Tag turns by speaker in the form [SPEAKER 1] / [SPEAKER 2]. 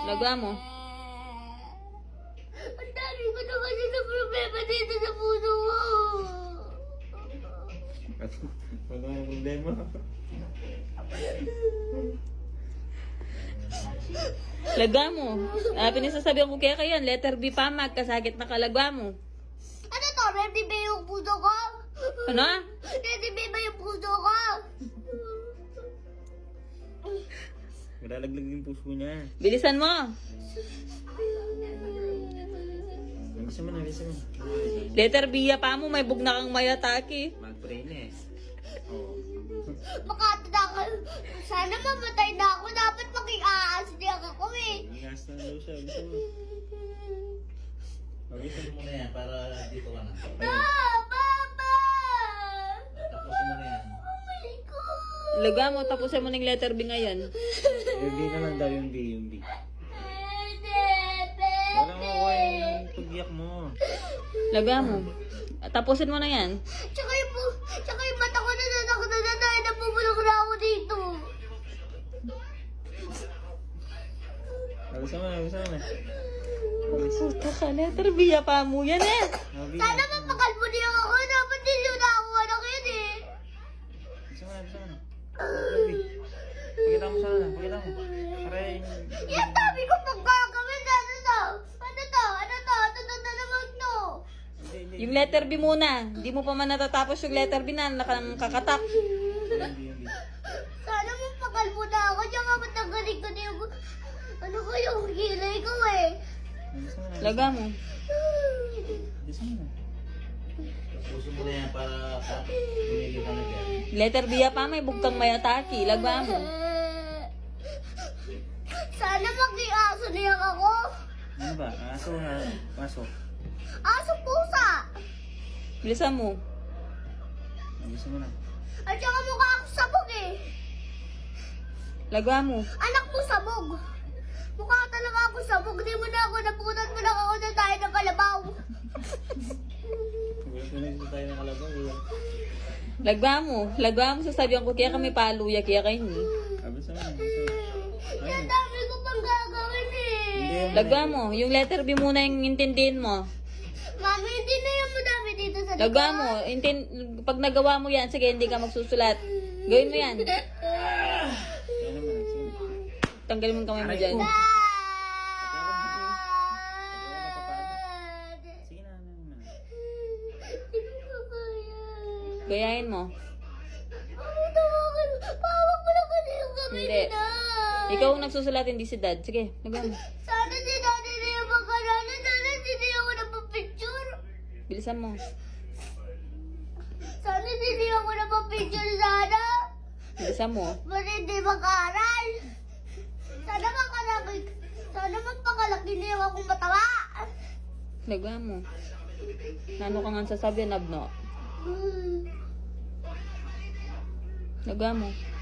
[SPEAKER 1] Lagwa mo.
[SPEAKER 2] Ang dami ko na kasi na problema dito sa puso mo.
[SPEAKER 3] Wala nang problema.
[SPEAKER 1] Lagwa mo. Pinasasabihan ko kaya yan. Letter B pa, magkasakit na kalagwa mo.
[SPEAKER 2] Ano to? Ready ba yung puso ko?
[SPEAKER 1] Ano?
[SPEAKER 2] Ready ba yung puso ko?
[SPEAKER 3] Malalaglag yung puso niya.
[SPEAKER 1] Bilisan mo.
[SPEAKER 3] Bisa mo na, bisa mo.
[SPEAKER 1] Letter B pa mo, may bugna kang mayataki.
[SPEAKER 3] Mag-pray na eh. Oo.
[SPEAKER 2] Makatanda ka. Sana mamatay na ako. Dapat mag-i-aasdiyak ako eh.
[SPEAKER 3] Ingas na daw siya. Bisa mo.
[SPEAKER 4] Bisa mo na yan para dito ka na.
[SPEAKER 2] Papa!
[SPEAKER 4] Tapusin mo na yan.
[SPEAKER 2] Oh my God!
[SPEAKER 1] Lagwa mo, tapusin mo ng letter B ngayon.
[SPEAKER 3] Yung B na lang daw, yung B, yung B.
[SPEAKER 2] Pepe!
[SPEAKER 3] Wala makuha yung pag-iyak mo.
[SPEAKER 1] Lagwa mo. Tapusin mo na yan.
[SPEAKER 2] Tsaka yung mata ko na nanakot na dahil napumulog na ako dito.
[SPEAKER 3] Bisa mo na, bisa mo na.
[SPEAKER 1] Puta ka, letter B pa mo yan eh.
[SPEAKER 2] Sana mapakalbo niya ako. Dapat din yun ako anak yun eh.
[SPEAKER 3] Bisa mo na, bisa mo na. Grabe. Pakita mo sana, pakita mo. Aray.
[SPEAKER 2] Yung dami ko pang gagawin. Ano to? Ano to? Ano to? Ano to na naman to?
[SPEAKER 1] Yung letter B muna. Hindi mo pa man natatapos yung letter B na nakakatak.
[SPEAKER 3] Hindi.
[SPEAKER 2] Sana mapakalbo na ako. Tsaka matanggalin ko na yung... Ano ko yung kilay ko eh.
[SPEAKER 3] Bisa mo na.
[SPEAKER 1] Lagwa mo.
[SPEAKER 3] Bisa mo na.
[SPEAKER 4] Tapusin mo na yan para tumigil ka na dyan.
[SPEAKER 1] Letter B pa, may bugtang mayataki. Lagwa mo.
[SPEAKER 2] Sana mag-iaso niya ako.
[SPEAKER 3] Ano ba? Aso ha? Aso.
[SPEAKER 2] Aso pusa.
[SPEAKER 1] Bilisan mo.
[SPEAKER 3] Bisa mo na.
[SPEAKER 2] At saka mukha ako sabog eh.
[SPEAKER 1] Lagwa mo.
[SPEAKER 2] Anak mo sabog. Mukha talaga ako sabog. Di mo na ako napunan mo lang ako na tayo ng kalabaw.
[SPEAKER 3] Gusto na dito tayo ng kalabaw.
[SPEAKER 1] Lagwa mo. Lagwa mo, sasabihan ko kaya kami paluya, kaya kayo ni.
[SPEAKER 3] Bisa mo na. Bisa mo na.
[SPEAKER 2] Yung dami ko pang gagawin eh.
[SPEAKER 1] Lagwa mo. Yung letter B muna yung intindihin mo.
[SPEAKER 2] Mami, hindi na yung madami dito sa
[SPEAKER 1] Lagwa mo. Pag nagawa mo yan, sige, hindi ka magsusulat. Gawin mo yan.
[SPEAKER 3] Kaya naman. Sige.
[SPEAKER 1] Tanggalin mo yung kamay mo dyan.
[SPEAKER 3] Sige na.
[SPEAKER 2] Hindi ko kaya.
[SPEAKER 1] Gayahin mo.
[SPEAKER 2] Mami, tawagan. Pawag mo lang kasi yung kamay
[SPEAKER 1] Hindi.
[SPEAKER 2] nila.
[SPEAKER 1] Ikaw ang nagsusulat, hindi si dad. Sige, lagwa mo.
[SPEAKER 2] Sana si Daddy na yung magkalanan. Sana hindi ako napapicture.
[SPEAKER 1] Bilisan mo.
[SPEAKER 2] Sana hindi ako napapicture sana.
[SPEAKER 1] Bilisan mo.
[SPEAKER 2] Ba't hindi mag-aaral? Sana makalaki. Sana magpakalaki niyo akong matawa.
[SPEAKER 1] Lagwa mo. Nano ka nga sasabihan, Abno? Lagwa mo.